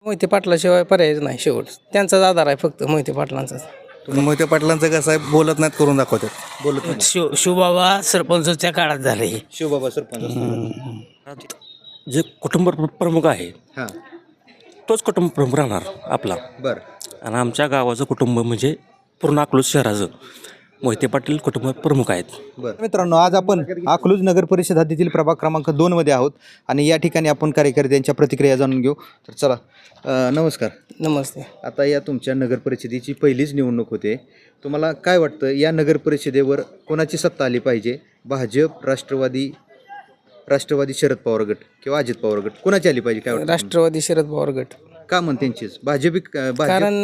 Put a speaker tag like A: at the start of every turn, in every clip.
A: मोहिते पाटलाशिवाय पर्यायच नाही. शेवट त्यांचाच आधार आहे फक्त मोहिते पाटलांचाच.
B: तुम्ही मोहिते पाटलांचं कसं आहे, बोलत नाहीत करून दाखवतात.
C: बोलत नाही.
D: शिवबाबा सरपंचच्या काळात झाले.
C: शिवबाबा सरपंच
D: जे कुटुंब प्रमुख आहे
C: हां
D: तोच कुटुंब प्रमुख राहणार आपला.
C: बरं
D: आणि आमच्या गावाचं कुटुंब म्हणजे पूर्ण अकलूज शहराचं मोहिते पाटील कुटुंब प्रमुख आहेत.
C: बरं मित्रांनो, आज आपण अकलूज नगर परिषद हद्दीतील प्रभाग क्रमांक 2 मध्ये आहोत आणि या ठिकाणी आपण कार्यकर्त्यांच्या प्रतिक्रिया जाणून घेऊ. तर चला, नमस्कार.
A: नमस्ते.
C: आता या तुमच्या नगर परिषदेची पहिलीच निवडणूक होते. तुम्हाला काय वाटतं, या नगर परिषदेवर कोणाची सत्ता आली पाहिजे? भाजप, राष्ट्रवादी शरद पवार गट किंवा अजित पवार गट, कोणाची आली पाहिजे? काय वाटतं?
A: राष्ट्रवादी शरद पवार गट.
C: का म्हण त्यांचीच? भाजप
A: कारण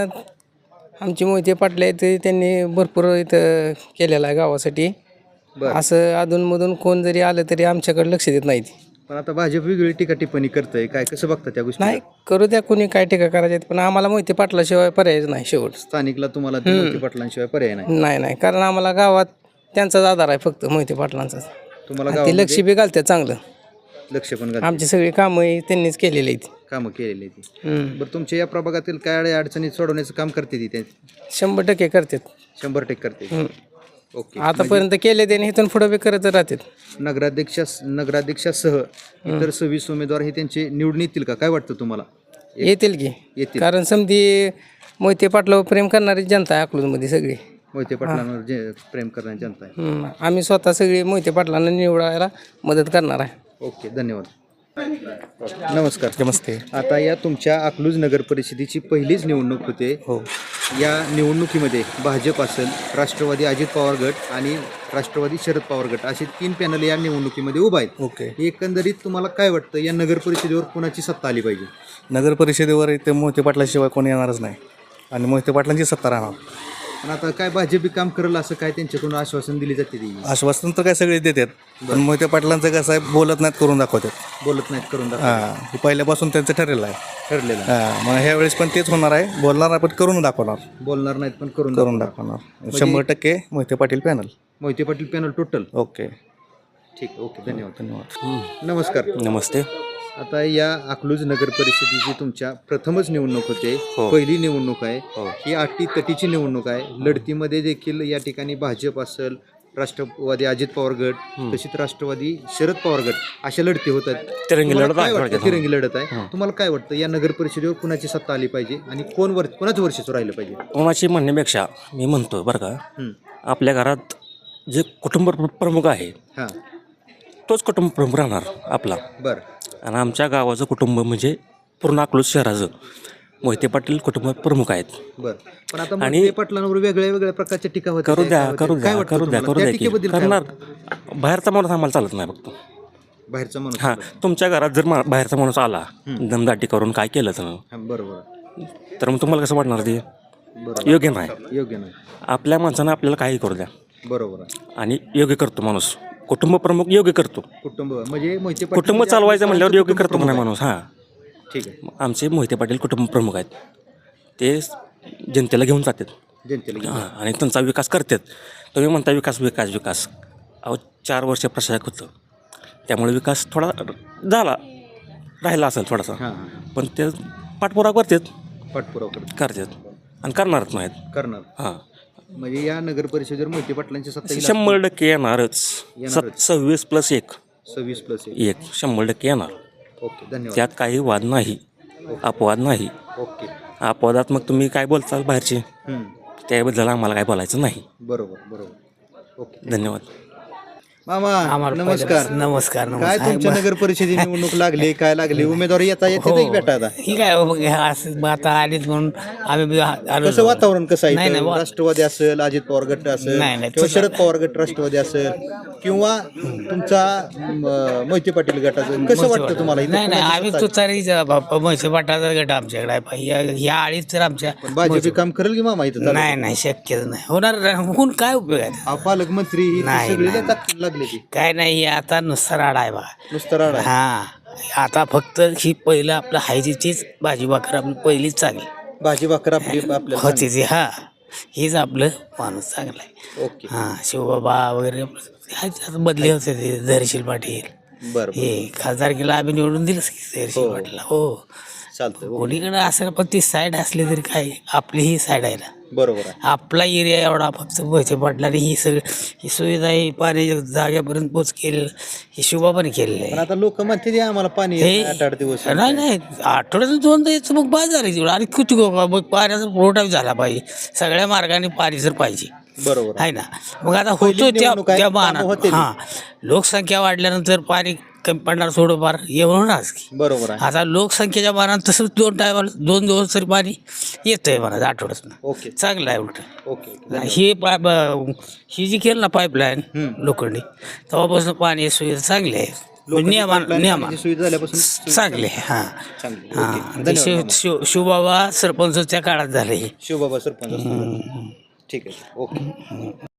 A: आमचे मोहिते पाटील आहेत, त्यांनी भरपूर इथं केलेलं आहे गावासाठी.
C: बरं.
A: असं अधूनमधून कोण जरी आलं तरी आमच्याकडे लक्ष देत नाहीत.
C: पण आता भाजप वेगळी टीका टिप्पणी करतंय, काय कसं बघता त्या गोष्टी?
A: नाही करू द्या, कोणी काय टीका करायचे, पण आम्हाला मोहिते पाटलाशिवाय पर्यायच नाही. शेवट
C: स्थानिकला तुम्हाला ते मोहिते पाटलांशिवाय पर्याय नाही.
A: नाही कारण आम्हाला गावात त्यांचाच आधार आहे फक्त मोहिते पाटलांचाच.
C: तुम्हाला
A: आणि ते लक्ष बी घालतात चांगलं.
C: लक्ष पण
A: आमची सगळी कामं त्यांनीच केलेली आहेत.
C: कामं केलेली ती. बरं, तुमच्या या प्रभागातील काय अडचणी सोडवण्याचं काम करते ती?
A: 100% करतात.
C: 100% करते. ओके.
A: आतापर्यंत केले त्यांनी, इथून पुढे बी करत राहतात.
C: नगराध्यक्षासह इतर 26 उमेदवार हे त्यांचे निवडून येतील का? काय वाटतं तुम्हाला?
A: येतील की.
C: येतील.
A: कारण समधी मोहिते पाटलावर प्रेम करणारी जनता आहे अकलूजमध्ये सगळी.
C: मोहिते पाटलांवर जे प्रेम करणारी जनता आहे.
A: आम्ही स्वतः सगळी मोहिते पाटलांना निवडायला मदत करणार आहे.
C: ओके, धन्यवाद. नमस्कार.
B: नमस्ते.
C: आता या तुमच्या अकलूज नगर परिषदेची पहिलीच निवडणूक होते.
B: हो.
C: या निवडणुकीमध्ये भाजप असेल, राष्ट्रवादी अजित पवार गट आणि राष्ट्रवादी शरद पवार गट असे 3 पॅनल या निवडणुकीमध्ये उभा आहेत.
B: ओके.
C: एकंदरीत तुम्हाला काय वाटतं, या नगर परिषदेवर कोणाची सत्ता आली पाहिजे?
B: नगर परिषदेवर इथे मोहिते पाटलाशिवाय कोणी येणारच नाही आणि मोहिते पाटलांची सत्ता राहणार.
C: पण आता काय भाजप काम करेल असं काय त्यांच्याकडून आश्वासन दिली जाते? ती
B: आश्वासन तर काय सगळे देतात, पण मोहिते पाटलांचं कसं आहे, बोलत नाहीत करून दाखवतात.
C: बोलत नाहीत करून
B: हां, हे पहिल्यापासून त्यांचं ठरलेलं आहे.
C: ठरलेलं.
B: हां, मग ह्या वेळेस पण तेच होणार आहे. बोलणार आपण करून दाखवणार.
C: बोलणार नाहीत पण करून
B: दाखवणार. 100% Mohite Patil panel.
C: Mohite Patil panel total.
B: Okay.
C: ठीक. ओके, धन्यवाद.
B: धन्यवाद.
C: नमस्कार.
D: नमस्ते.
C: आता या अकलूज नगर परिषदेची तुमच्या प्रथमच निवडणूक होते.
D: हो.
C: पहिली निवडणूक आहे.
D: हो.
C: ही अटीतटीची निवडणूक आहे. लढतीमध्ये देखील या ठिकाणी भाजप असेल, राष्ट्रवादी अजित पवार गट, तशीच राष्ट्रवादी शरद पवार गट अशा लढती होत आहेत.
D: तिरंगी
C: तुम्हाला
D: लढत
C: काय
D: आहे.
C: वाटतं? तिरंगी लढत आहे. तुम्हाला काय वाटतं, या नगर परिषदेवर कुणाची सत्ता आली पाहिजे आणि कोणाचं वर्चस्व राहिलं पाहिजे?
D: कोणाची म्हणण्यापेक्षा मी म्हणतो बरं का,
C: हं.
D: आपल्या घरात जे कुटुंब प्रमुख आहे
C: हां.
D: तोच कुटुंब प्रमुख राहणार आपला.
C: बरं.
D: आणि आमच्या गावाचं कुटुंब म्हणजे पूर्ण अकलूज शहराचं मोहिते पाटील कुटुंब प्रमुख आहेत.
C: बरं. पण आता मोहिते पाटलांवर वेगळ्या प्रकारच्या टीका होत्या.
D: करू द्या
C: त्या
D: की
C: टीकेबद्दल काय
D: करणार.
C: वाटतं?
D: बाहेरचा माणूस आम्हाला चालत नाही फक्त.
C: बाहेरचा माणूस.
D: हां, तुमच्या घरात जर बाहेरचा माणूस आला दमदाटी करून काय केलं तर
C: हां, बरोबर.
D: तर मग तुम्हाला कसं वाटणार ते?
C: बरोबर.
D: योग्य नाही.
C: योग्य नाही.
D: आपल्या माणसानं आपल्याला काही करू द्या
C: बरोबर आहे.
D: आणि योग्य करतो माणूस. कुटुंब प्रमुख योग्य करतो.
C: कुटुंब म्हणजे मोहिते पाटील
D: कुटुंब चालवायचं म्हणल्यावर योग्य करतो म्हणा माणूस. हां,
C: ठीक आहे.
D: आमचे मोहिते पाटील कुटुंब प्रमुख आहेत. ते जनतेला घेऊन जातात.
C: जनतेला घेऊन.
D: हां, आणि त्यांचा विकास करतात. तुम्ही म्हणता विकास विकास विकास. अहो 4 वर्ष प्रशासक होतं, त्यामुळे विकास थोडा राहिला असेल थोडासा.
C: हां.
D: पण ते पाठपुरावा करतात
C: पाठपुरावा
D: करतात आणि करणारच नाहीत.
C: करणार.
D: हां,
C: म्हणजे या नगर परिषदेवर मोहिते पाटलांची सत्ता येईल.
D: 100% येणारच. 26+1
C: 26+1.
D: 100% येणार.
C: ओके, धन्यवाद.
D: त्यात काही वाद नाही, अपवाद नाही.
C: ओके.
D: अपवादात मग तुम्ही काय बोलताल बाहेरचे,
C: हं.
D: त्याबद्दल आम्हाला काय बोलायचं नाही.
C: बरोबर. ओके,
D: धन्यवाद.
C: मामा नमस्कार.
E: नमस्कार.
C: काय तुमच्या नगर परिषदेची निवडणूक लागली, काय लागली? उमेदवार येते भेटा आता.
E: ही काय असं आता आलीच म्हणून आम्ही आलो.
C: कसं वातावरण कसं
E: नाही,
C: आहे? राष्ट्रवादी असेल, अजित पवार गट असेल
E: नाही,
C: किंवा शरद पवार गट राष्ट्रवादी असेल किंवा तुमचा मोहिते पाटील गटाचं कसं वाटतं तुम्हाला? इथं
E: नाही
C: कोणाची
E: आम्ही
C: सत्ता
E: तुतारी म्हैसूर पाटाचा गट आमच्याकडे आहे. ह्या आळीच तर आमच्या
C: आहे? भाजप काम करेल की मामा इथं?
E: नाही शक्यच नाही होणार. होऊन काय उपयोग आहे?
C: पालकमंत्री ही
E: नाही,
C: सगळी
E: नाही.
C: लागली ती.
E: काय नाही, आता नुसता राडा आहे बघा.
C: नुसतं राड आहे.
E: हा, आता फक्त ही पहिलं आपलं हायजीचीच भाजी भाकर आपली पहिलीच चांगली
C: भाजी भाकर आपल्याला
E: होती ती. हा, हीच आपलं माणूस चांगला आहे.
C: ओके.
E: हां, शिवबाबा वगैरे आता बदली होते ते धैर्यशील पाटील.
C: बरं.
E: हे खासदारकीला आम्ही निवडून दिलंच की धैर्यशील पाटीलला. हो,
C: चालतंय ओके.
E: कोणीकडे असेल पण ती साईड असली तरी काय आपली ही साईड आहे ना.
C: बरोबर आहे.
E: आपला एरिया एवढा फक्त मोहिते पाटलांनी ही सगळी ही सुविधा ही पाण्याच्या जाग्यापर्यंत पोच केलेलं ही शोभा पण केलेली
C: पण
E: आहे.
C: आता लोक म्हणते ते आम्हाला पाणी येत नाही 8-8 दिवस.
E: नाही नाही आठवड्यातून 2दा यायचं मग बाद झाली तेवढं. आणि किती मग पाण्याचा पुरवठा झाला पाहिजे सगळ्या मार्गाने पाणी जर पाहिजे
C: बरोबर आहे.
E: आहे ना. मग आता
C: पहिली
E: होतो त्या
C: निवडणूक आहे,
E: त्या
C: कामं
E: मानात
C: होतील.
E: हां लोकसंख्या वाढल्यानंतर पाणी कमी पडणार थोडंफार एवढंच की.
C: बरोबर आहे.
E: आता लोकसंख्येच्या मानात तसं 2 दिवस तरी पाणी येतंय म्हणा आठवड्यातून.
C: ओके
E: चांगलं आहे उलट.
C: ओके.
E: ही जी केलं ना पाईपलाईन लोखंडी तेव्हापासून पाणी सुविधा चांगली आहे. नियमा
C: सुविधा झाल्यापासून
E: चांगले आहे. हां
C: चांगली.
E: हां
C: ओके.
E: ते
C: धन्यवाद.
E: शिवबाबा सरपंचच्या काळात झाले हे.
C: शिवबाबा सरपंच असतील. ठीक आहे ओके.